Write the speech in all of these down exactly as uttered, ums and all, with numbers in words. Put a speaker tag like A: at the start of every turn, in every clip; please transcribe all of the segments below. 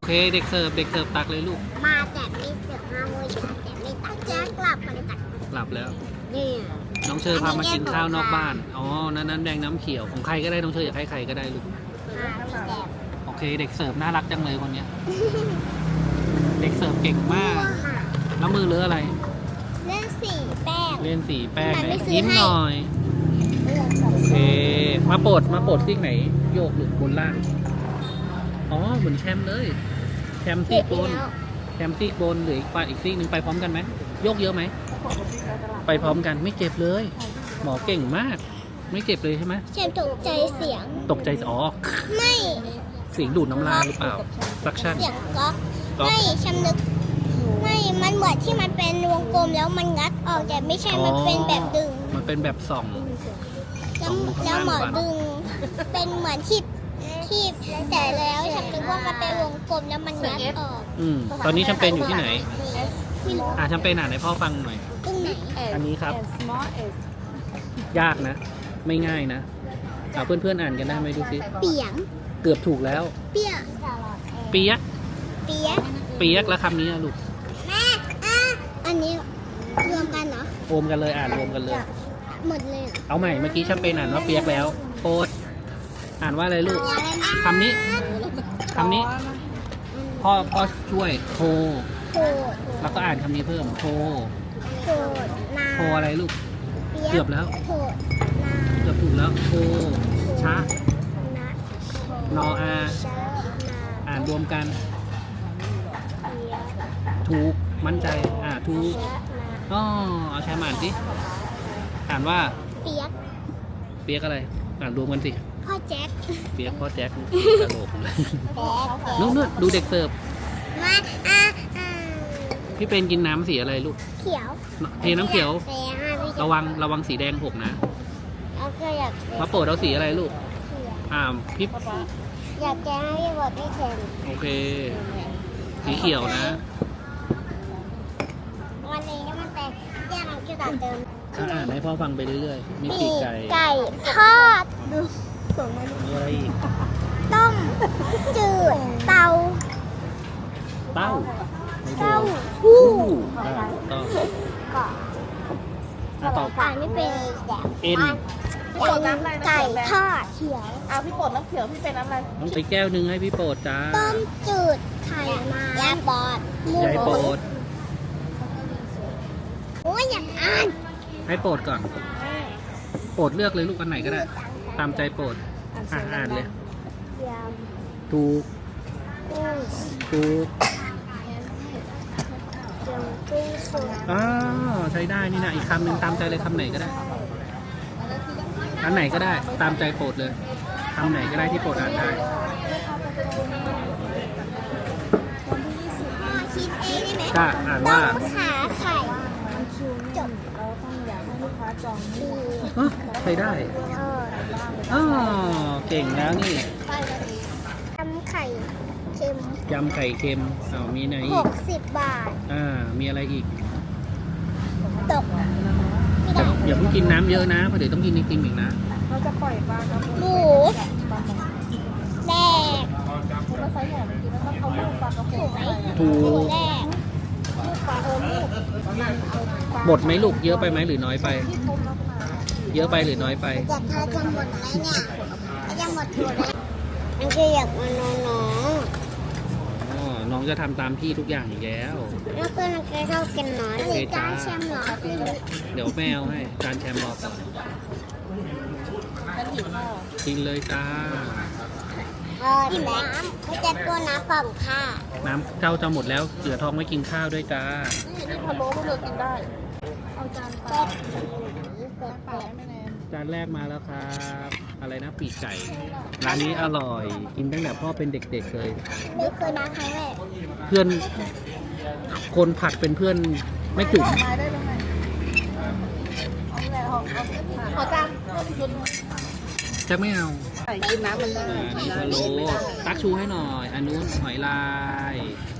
A: โอเคเด็กเสิร์ฟเด็กเสิร์ฟตักเลยลูก
B: มาแต่ไม่เสิร์ฟมาโมยแต่ไม่ตักแจ๊กกลับมาเลยตัก
A: กลับแล้ว
B: นี่
A: น้องเชอร์พามากินข้าวนอกบ้านอ๋อนั้นนั้นแดงน้ำเขียวของใครก็ได้น้องเชอร์อยากให้ใครก็ได้ลูกโอเคเด็กเสิร์ฟน่ารักจังเลยคนเนี้ยเด็กเสิร์ฟเก่งมากแล้วมือเลอะอะไร
B: เล่นสีแป้ง
A: เล่นสีแป้งยิ้มหน่อยโอเคมาโปรดมาโปรดซีกไหนโยกหรือบนล่างอ๋อเหมือนแชมป์เลยแชมป์ซีกบนแชมป์ซีกบนหรืออีกฝ่ายอีกซีกหนึ่งไปพร้อมกันไหมโยกเยอะไหมไปพร้อมกันไม่เจ็บเลยหมอเก่งมากไม่เจ็บเลยใช่ไหม
B: แชมป์ตกใจเสียง
A: ตกใจอ๋อ
B: ไม่
A: เสียงดูดน้ำลายหรือเปล่าซักชั่น
B: เสียงก๊อกไม่แชมป์นึกไม่มันเหมือนที่มันเป็นวงกลมแล้วมันงัดออกแต่ไม่ใช่มันเป็นแบบดึง
A: มันเป็นแบบส่อง
B: แล้วหมอดึงเป็นเหมือนที่ที่แต่แล้วฉันนึกว่ามันเป็นวงกลมแล้วมันงัดออก
A: อืมตอนนี้แชมเปญอยู่ที่ไหนอ่าแชมเปญอ่านให้พ่อฟังหน่อย
B: ตรงไหน
A: อันนี้ครับยากนะไม่ง่ายนะเอาเพื่อนๆอ่านกันได้ไหมดูสิ
B: เปียง
A: เกือบถูกแล้ว
B: เปียก
A: เปียก
B: เปียก
A: เปียกแล้วคำนี้ลูก
B: แม่อ่ะอันนี้รวมกันเหรอ
A: รวมกันเลยอ่านรวมกันเลย
B: หมดเลย
A: เอาใหม่เมื่อกี้แชมเปญอ่านว่าเปียกแล้วโอ๊ตอ่านว่าอะไรลูกคำนี้คำนี้พ่อพ่อช่วยโทรแล้วก็อ่านคำนี้เพิ่มโทรโทรอะไรลูกเกือบแล้วเกือบถูกแล้วโทรชะนออาอ่านรวมกันถูกมั่นใจอ่าถูกอ๋อเอาแชมอ่านสิอ่านว่า
B: เปียก
A: เปียกอะไรอ่านรวมกันสิ
B: พ่อแจ็ค
A: เปียกพ่อแจ็คกระโหลกเลยนู่นนู่นดูเด็กเสิร์ฟ
B: มาอ่าอ่า
A: พี่เป็นกินน้ำสีอะไรลูก
B: เขียว
A: เทน้ำเขียวระวังระวังสีแดงหกนะมาโปรดเอาสีอะไรลูกอ่าพี่
B: อยากแก้ให้พี่บอกพี่เทน
A: โอเคสีเขียวนะ
B: วันนี้มันเป็นแก้น้ำเขียวเติม
A: อ่านให้พ่อฟังไปเรื่อยๆมีปีกไก่
B: ไก่ทอดดู
A: มีอะไรอีก
B: ต้มจืดเตา
A: เต้า
B: เต้าหู้
A: ต้อง
B: ก็ต่อไปไม่เป็นแบบ
A: เอ็น
B: ไก่ทอดเขียว
C: เอาพี่โปรดน้ำเขียวพี่เป็นน้ำอะไร
A: ต้องไปแก้วหนึ่งให้พี่โปรดจ้า
B: ต้มจืดไข่มายายปอด
A: ยายโปรด
B: โอ้ยอยากอ่าน
A: ให้โปรดก่อนโปรดเลือกเลยลูกอันไหนก็ได้ตามใจโปรดอ่านอ่านเลยถูกถูกอ๋อใช้ได้นี่นะอีกคำหนึ่งตามใจเลยคำไหนก็ได้อันไหนก็ได้ตามใจโปรดเลยคำไหนก็ได้ที่โปรดอ่านได้
B: คิดเองได้ไหม
A: ก็อ่านว่า
B: ขาไข่จบ
A: ใช้ได้อ๋อเก่งแล้วนี่
B: ยำไข่เค็ม
A: ยำไข่เค็มอ้าวมีไหนอีก
B: หกสิบบาท
A: อ่ามีอะไรอีก
B: ตก
A: อย่าเพิ่งกินน้ำเยอะนะเพราะเดี๋ยวต้องกินไอติมอีกนะ
C: เราจะปล่อยปลากระพง
B: หมูแดก
C: คุณมาใส่แหนมกินแล้วก็เอาลูกปลากระพง
A: ถูก
B: แดก
C: ลูกปลาเออลูก
A: หมดไหมลูกเยอะไปไหมหรือน้อยไปเยอะไปหรือน้อยไป
B: จะทาจะหมดไหมเนี่ยจะหมดหมดเลยมันจะอยากมาน้องน้อง
A: อ๋อน้องจะทำตามพี่ทุกอย่างอีกแล้ว
B: แล้วก็น้องจะชอบกินน้อยเลยจานแชมป์เหรอ
A: เดี๋ยวแมวให้จานแชมป์รอก่อนกินเลยจ้า
B: เออน้ำไม่จะตัวน้ำกล่องค่ะ
A: น้ำเจ้าจะหมดแล้วเหลือทองไว้กินข้าวด้วยจ้า
C: นี่พะโล้พวกเรากินได้เอาจานปลาปลาไม่แน่
A: จานแรกมาแล้วครับอะไรนะปีกไก่ร้านนี้อร่อยกินตั้งแต่พ่อเป็นเด็กๆเลย
B: ไม่เคยมาครั้งแรก
A: เพื่อนคนผัดเป็นเพื่อนไม่จุ๋ม
C: ขอจาน
A: จะไม่เอา
C: กินน้ำมันเลย
A: นี่พะโล้ตักชูให้หน่อยอันนู้นหอยลาย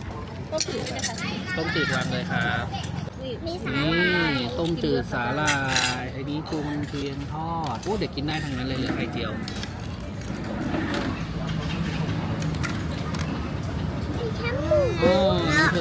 A: ต้มจืดวางเลยครับนี่ต้มจืดสาลายไอ้นี้กุ้งเทียนทอดโอ้เด็กกินได้ทั้งนั้นเลยเหลือไข่เจียว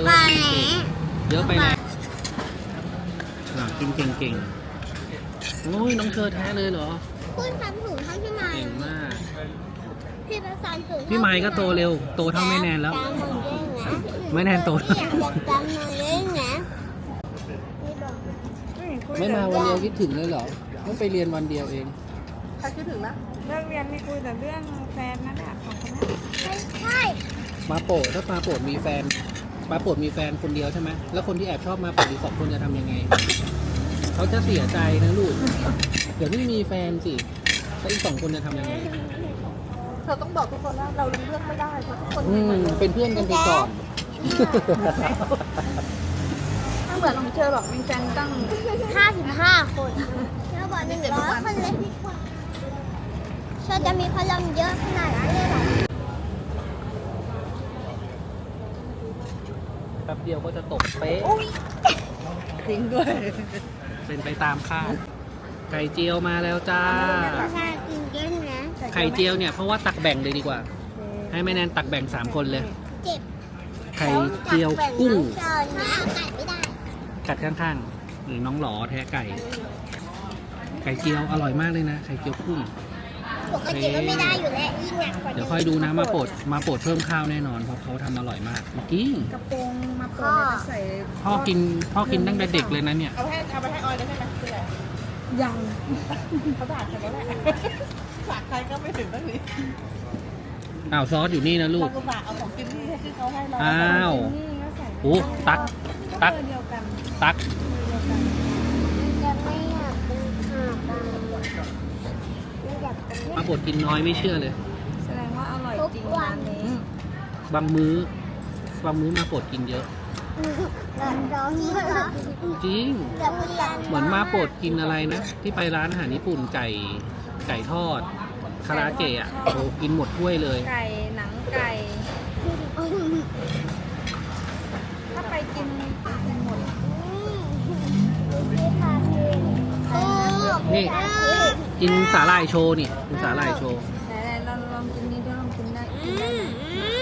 A: อว่ากินเก่งเยอะไปนะอ่ะกินเก่งๆโอ้ยน้องเชอแท้เลยเหรอ
B: พูดคำถูกเท่าพี่ไม้
A: เก่งมาก
B: พี่ประสานถูก
A: พี่ไม้ก็โตเร็วโตเท่าแม่แนนแล้ว
B: จำหมดเลยนะ
A: แม่แนนโต
B: อยากจำหมดเลยนะไม่บอก
A: ไม่มาวันเดียวคิดถึงเลยเหรอต้องไปเรียนวันเดียวเอง
C: ใครคิดถึงนะเรื่องเรียนมีคุยแต่เรื่องแฟนนั่นแหละของคนนั้น
B: ไม่ใช่
A: มาโปรดถ้ามาโปรดมีแฟนมาโปรดมีแฟนคนเดียวใช่ไหมแล้วคนที่แอบชอบมาโปรดอีกสองคนจะทำยังไงเขาจะเสียใจนะลูกเดี๋ยวไม่มีแฟนสิแล้วอีกสองคนจะทำยังไง
C: เธอต้องบอกทุกคนว่าเราเลือกไม่ได้เพราะทุกคน
A: อืมเป็นเพื่อนกันไปก่อน
C: ถ้าเหมือนของเธอบอกมีแฟนตั้ง
B: ห้าสิบห้าคนแล้วบอกหนึ่งร้อยคนเลยเธอจะมีพลังเยอะขนาดนั้นเลยเหรอ
A: แป๊บเดียวก็จะตกเป๊ะ
C: จริงด้วย
A: เป็นไปตามคาดไข่เจียวมาแล้วจ้า
B: ใช่กินเยอะนะ
A: ไข่เจียวเนี่ยเพราะว่าตักแบ่งเลยดีกว่า ให้แม่แนนตักแบ่งสามคนเลย
B: เจ็บ
A: ไข่เจียวกุ้ง
B: เจอนะกัดไม่ได้
A: กัดข้างๆหรือน้องหลอแท้ไก่ ไข่เจียวอร่อยมากเลยนะไข่เจียวกุ้ง
B: ปกติก็ไม่ได้อยู่แล้วยิ่งหนักกว่า
A: เดี๋ยวคอยดูนะมาโปรดมาโปรดเพิ่มข้าวแน่นอนเพราะเขาทำอร่อยมากจริง
C: กระโปรงมาเปิดใส่
A: พ่อกินพ่อกินตั้งแต่เด็กเลยนะเนี่ย
C: เอาให้เอาไปให้ออยได้ใช่ไหมคืออะไรยังเขาด่าฉันแล้วแหละฝากใครก็ไม่ถึงตั้งนี้
A: อ้าวซอสอยู่นี่นะลูก
C: เราก็ฝากเอาของกินที่ที่เขาให้เรา
A: อ้าว
C: นี่ก็ใส่
A: โอ้ตักตัก
C: เดียวกัน
A: ตัก
B: จะไม่อยากเป็นขาบางไม่อยากเป็น
A: มาโปรดกินน้อยไม่เชื่อเลย
C: แสดงว่าอร่อยจริงร้านนี้
A: บางมื้อบางมื้อมาโปรดกินเยอะ
B: ร้อนร้อนเหรอ
A: จริง
B: จะมีร้าน
A: เหมือนมาโปรดกินอะไรนะ ที่ไปร้านอาหารญี่ปุ่นไก่ไก่ทอดคาราเกะอ่ะโอ้กินหมดถ้วยเลย
C: ไก่หนังไก่ ถ้าไปกินกินหมด
A: นี่ กินสาหร่ายโชว์นี่กินสาหร่ายโชว์
C: ไหนๆลองลองกินนี้ด้วยลองกินได้กินได้ไหม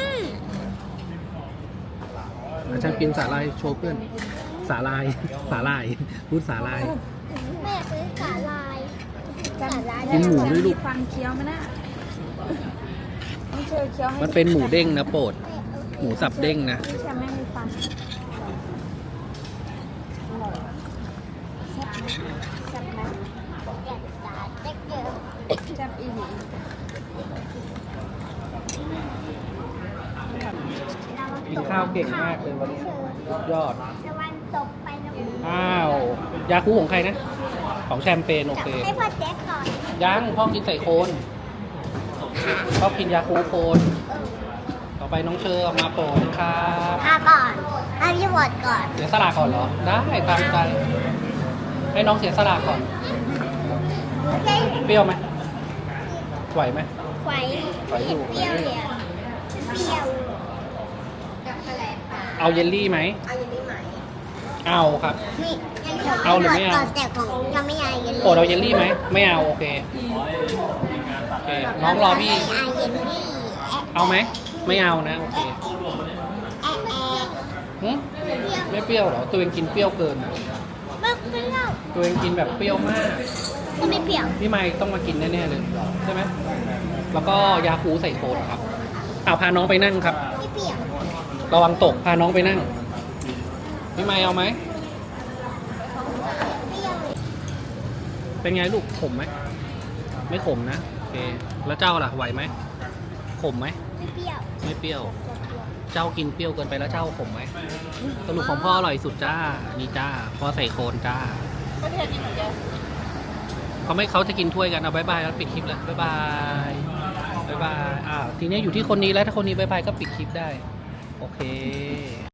A: อาจารย์กินสาหร่ายโชว์เพื่อนสาหร่ายสาหร่ายพูดสาหร่าย
B: แม่ซื้อสาลายสาลาย
A: กินหมูด้วยลูก
C: ฟันเคี้ยวไหมนะไม่เจอเคี้ยวให้
A: มันเป็นหมูเด้งนะโปรดหมูสับเด้งนะ
C: ไม่ใช่แม่มีฟันแซ่บไหม
B: อยากสาเด็กเยอะ
C: แซ่บอีหลี
A: กินข้าวเก่งมากเลยวันนี้สุดยอด
B: ตะวันตกไปแล้ว
A: อ้าว ยาคูของใครนะ ของแชมเปญโอเค
B: ให้พ่อแจ๊กก่อน
A: ยังพ่อกินใส่โคนพ่อกินยาคูโคน ต่อไปน้องเชอร์เอามาโปรดครับ
B: พาก่อนให้พี่บดก่อน
A: เสียสละก่อนเหรอ ได้ตามใจ ให้น้องเสียสละก่อน
B: โอเค
A: เปรี้ยวไหมไหวไหม
B: ไหว
A: ไหวอยู่
B: เปรี้ยวเลยอะเปรี้ยวกับอะไรปลา
A: เอาเยลลี่ไหม
B: เอาอย่างนี้ไหม
A: เอาครับ
B: นี่
A: เอาหรือไม่เอา
B: ก่อนแต่ของยังไม่เอาเยลลี่
A: โปรดเอาเยลลี่ไหม ไม่เอาโอเค โอเค น้องรอพี่
B: เอาเยลลี่
A: เอาไหม ไม่เอานะโอเค
B: แอะแอะ
A: หึ
B: เปรี้ยว
A: ไม่เปรี้ยวเหรอ ตัวเองกินเปรี้ยวเกินนะ
B: ไม่เปรี้ยว
A: ตัวเองกินแบบเปรี้ยวมาก
B: ก็ไม่เปรี้ยว
A: พี่ไมค์ต้องมากินแน่ๆเลยใช่ไหม แล้วก็ยาคูใส่โคนครับเอาพาน้องไปนั่งครับ
B: ไม่เปรี้ยว
A: ระวังตกพาน้องไปนั่ง พี่ไมค์เอาไหม
B: เปรี้ยว
A: เป็นไงลูกขมไหม ไม่ขมนะ โอเค แล้วเจ้าล่ะไหวไหม ขมไหม
B: ไม่เปรี้ยว
A: ไม่เปรี้ยว เจ้ากินเปรี้ยวเกินไปแล้วเจ้าขมไหมสรุปของพ่ออร่อยสุดจ้า นี่จ้า พ่อใส่โคนจ้า
C: ประเทศนี้เหมือนกัน
A: เขาไม่เขาจะกินถ้วยกันเอาบายบายแล้วปิดคลิปเลยบายบายบายบายอ่าทีนี้อยู่ที่คนนี้แล้วถ้าคนนี้บายบายก็ปิดคลิปได้ โอเค